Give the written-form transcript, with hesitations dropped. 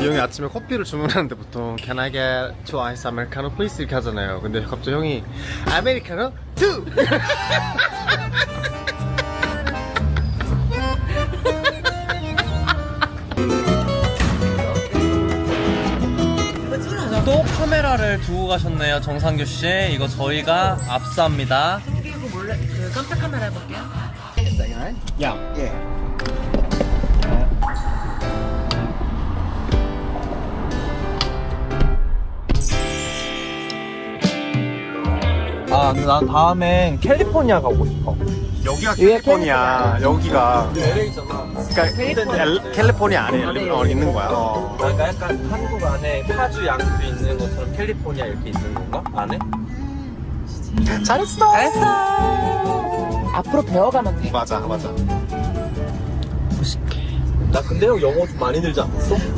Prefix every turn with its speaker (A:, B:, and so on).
A: 이 형이 아침에 커피를 주문하는데 보통 Can I get two ice americano please 이렇게 하잖아요. 근데 갑자기 형이 아메리카노 2!
B: 또 카메라를 두고 가셨네요, 정상규 씨. 이거 저희가 압수합니다.
C: 이거 몰래 그 깜짝 카메라 해볼게요.
A: 야, 예.
B: 아, 근데 난 다음엔 캘리포니아 가고 싶어.
A: 여기가 캘리포니아, 여기가.
B: LA잖아.
A: 그러니까 캘리포니아 안에 있는 거야.
B: 그러니까 약간 한국 안에 파주 양주 있는 것처럼 캘리포니아 이렇게 있는 건가? 안에?
A: 잘했어.
C: 앞으로 배워가면 돼.
A: 맞아.
B: 나 근데 형 영어 좀 많이 늘지 않았어?